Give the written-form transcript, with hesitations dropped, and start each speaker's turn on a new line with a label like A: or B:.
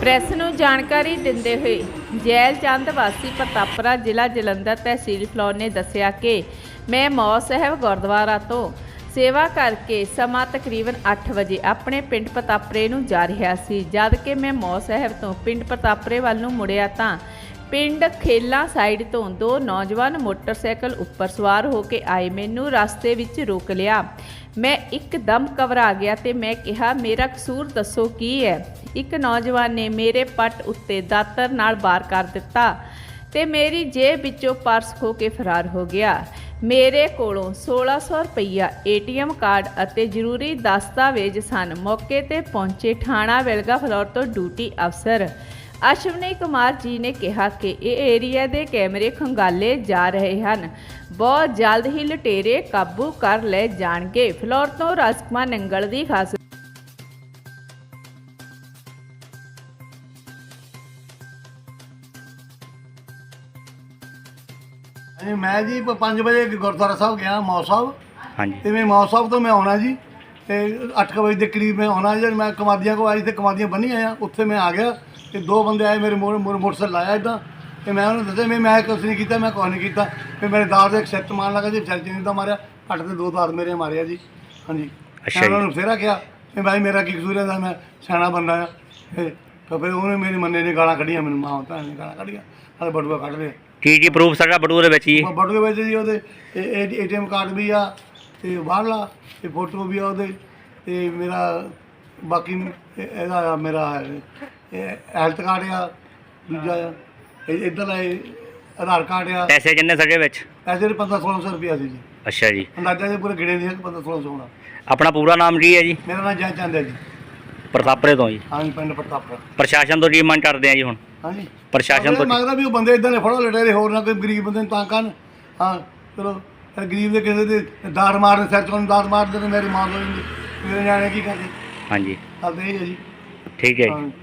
A: Press ਨੂੰ ਜਾਣਕਾਰੀ ਦਿੰਦੇ ਹੋਏ ਜੈਲ ਚੰਦ ਵਾਸੀ ਪ੍ਰਤਾਪਰਾ ਜ਼ਿਲ੍ਹਾ ਜਲੰਧਰ ਤਹਿਸੀਲ ਫਲੌਰ ਨੇ ਦੱਸਿਆ ਕਿ ਮੈਂ ਮੌ ਸਾਹਿਬ ਗੁਰਦੁਆਰਾ ਤੋਂ ਸੇਵਾ ਕਰਕੇ ਸਮਾਂ ਤਕਰੀਬਨ 8 ਵਜੇ ਆਪਣੇ ਪਿੰਡ ਪ੍ਰਤਾਪਰੇ ਨੂੰ ਜਾ ਰਿਹਾ ਸੀ। ਜਦ ਕਿ ਮੈਂ ਮੌ ਸਾਹਿਬ ਤੋਂ ਪਿੰਡ ਪ੍ਰਤਾਪਰੇ ਵੱਲ ਨੂੰ ਮੁੜਿਆ ਤਾਂ ਪਿੰਡ ਖੇਲਾ ਸਾਈਡ ਤੋਂ ਦੋ ਨੌਜਵਾਨ ਮੋਟਰਸਾਈਕਲ ਉੱਪਰ ਸਵਾਰ ਹੋ ਕੇ ਆਏ। ਮੈਨੂੰ ਰਸਤੇ ਵਿੱਚ ਰੋਕ ਲਿਆ। ਮੈਂ ਇੱਕਦਮ ਘਬਰਾ ਗਿਆ ਤੇ ਮੈਂ ਕਿਹਾ, ਮੇਰਾ ਕਸੂਰ ਦੱਸੋ ਕੀ ਹੈ। ਇੱਕ ਨੌਜਵਾਨ ਨੇ ਮੇਰੇ ਪੱਟ ਉੱਤੇ ਦਾਤਰ ਨਾਲ ਵਾਰ ਕਰ ਦਿੱਤਾ ਤੇ ਮੇਰੀ ਜੇਬ ਵਿੱਚੋਂ ਪਰਸ ਖੋਹ ਕੇ ਫਰਾਰ ਹੋ ਗਿਆ। ਮੇਰੇ ਕੋਲੋਂ 1600 ਰੁਪਈਆ ATM ਕਾਰਡ ਅਤੇ ਜ਼ਰੂਰੀ ਦਸਤਾਵੇਜ਼ ਸਨ। ਮੌਕੇ ਤੇ ਪਹੁੰਚੇ ਥਾਣਾ ਵਿਲਗਾ ਫਲੌਰ ਤੋਂ ਡਿਊਟੀ ਅਫਸਰ ਅਸ਼ਵਨੀ ਕੁਮਾਰ ਜੀ ਨੇ ਕਿਹਾ ਕਿ ਇਹ ਏਰੀਆ ਦੇ ਕੈਮਰੇ ਖੰਗਾਲੇ ਜਾ ਰਹੇ ਹਨ। ਬਹੁਤ ਜਲਦ ਹੀ ਲੁਟੇਰੇ ਕਾਬੂ ਕਰ ਲਏ ਜਾਣਗੇ। ਫਲੌਰ ਤੋਂ ਰਾਜਕੁਮਾਰ ਨੰਗਲ ਦੀ ਖਾਸ
B: मैं जी 5 बजे गुरुद्वारा साहब गया मौ साहब।
C: हाँ जी।
B: तो मैं मौ साहब तो मैं आना जी, तो 8 बजे के करीब मैं आना जी। मैं कमादियाँ को आई, तो कमादियाँ बनी आया, उत्थे मैं आ गया। तो 2 बंदे आए मेरे मोटरसाइकिल लाया इदा, तो मैं उन्होंने दसा मैं कुछ नहीं किया, मैं कुछ नहीं किया। फिर मेरे दार एक सिर मारन लगा जी, सिर नहीं मारिया, अट के 2 दार मेरे मारे जी। हाँ जी।
C: अच्छा।
B: उन्होंने फेरा किया कि भाई मेरा की कसूर है, मैं सियाना बंदा है। तो फिर उन्होंने मेरी मन्ने ने गालां कढ़ियां, मैंने मां भैन ने गालां कढ़ियां, नाले बटूआ कढ़ लिया।
C: ਕੀ ਪ੍ਰੂਫ ਸਾਡਾ ਬਟੂਏ ਦੇ ਵਿੱਚ ਜੀ?
B: ਬਟੂਏ ਵਿੱਚ ਜੀ ਉਹਦੇ ATM ਕਾਰਡ ਵੀ ਆ, ਤੇ ਬਾਹਰਲਾ ਤੇ ਫੋਟੋ ਵੀ ਆ ਉਹਦੇ, ਤੇ ਮੇਰਾ ਬਾਕੀ ਇਹਦਾ ਆ, ਮੇਰਾ ਹੈਲਥ ਕਾਰਡ ਆ, ਦੂਜਾ ਆ ਇੱਧਰ ਆਧਾਰ ਕਾਰਡ ਆ।
C: ਪੈਸੇ ਕਿੰਨੇ ਸਾਡੇ ਵਿੱਚ?
B: ਪੈਸੇ 1500-1600 ਰੁਪਇਆ ਸੀ ਜੀ।
C: ਅੱਛਾ ਜੀ।
B: ਅੰਦਾਜ਼ਾ ਜੀ ਪੂਰੇ ਗਿਣੇ ਨਹੀਂ ਹੈ 1500-1600 ਹੋਣਾ।
C: ਆਪਣਾ ਪੂਰਾ ਨਾਮ ਕੀ ਹੈ ਜੀ?
B: ਮੇਰਾ ਨਾਮ ਜੈ ਚੰਦ ਹੈ ਜੀ।
C: ਪ੍ਰਤਾਪਰੇ ਤੋਂ ਜੀ।
B: ਹਾਂਜੀ, ਪਿੰਡ ਪ੍ਰਤਾਪਰਾ।
C: ਪ੍ਰਸ਼ਾਸਨ ਤੋਂ ਕੀ ਮੰਗ ਕਰਦੇ ਆ ਜੀ ਹੁਣ?
B: ਹਾਂਜੀ,
C: ਪ੍ਰਸ਼ਾਸਨ ਤੋਂ
B: ਮੰਗਦਾ ਵੀ ਉਹ ਬੰਦੇ ਇਦਾਂ ਦੇ ਫੜੋ ਲਟੇਰੇ, ਹੋਰ ਨਾ ਕੋਈ ਗਰੀਬ ਬੰਦੇ ਨੂੰ ਤੰਗ ਕਰਨ। ਹਾਂ ਚਲੋ, ਫਿਰ ਗਰੀਬ ਦੇ ਕਿਸੇ ਦੇ ਦਾੜ ਮਾਰਨ, ਸਿਰ ਚੋਂ ਦਾੜ ਮਾਰਦੇ, ਤੇ ਮੇਰੀ ਮਾਂ ਕੋਲ ਮੇਰੇ ਨਿਆਣੇ ਕੀ ਕਰਦੇ।
C: ਹਾਂਜੀ,
B: ਕਰਦੇ ਇਹ ਹੈ ਜੀ।
C: ਠੀਕ ਹੈ ਜੀ।
B: ਹਾਂ।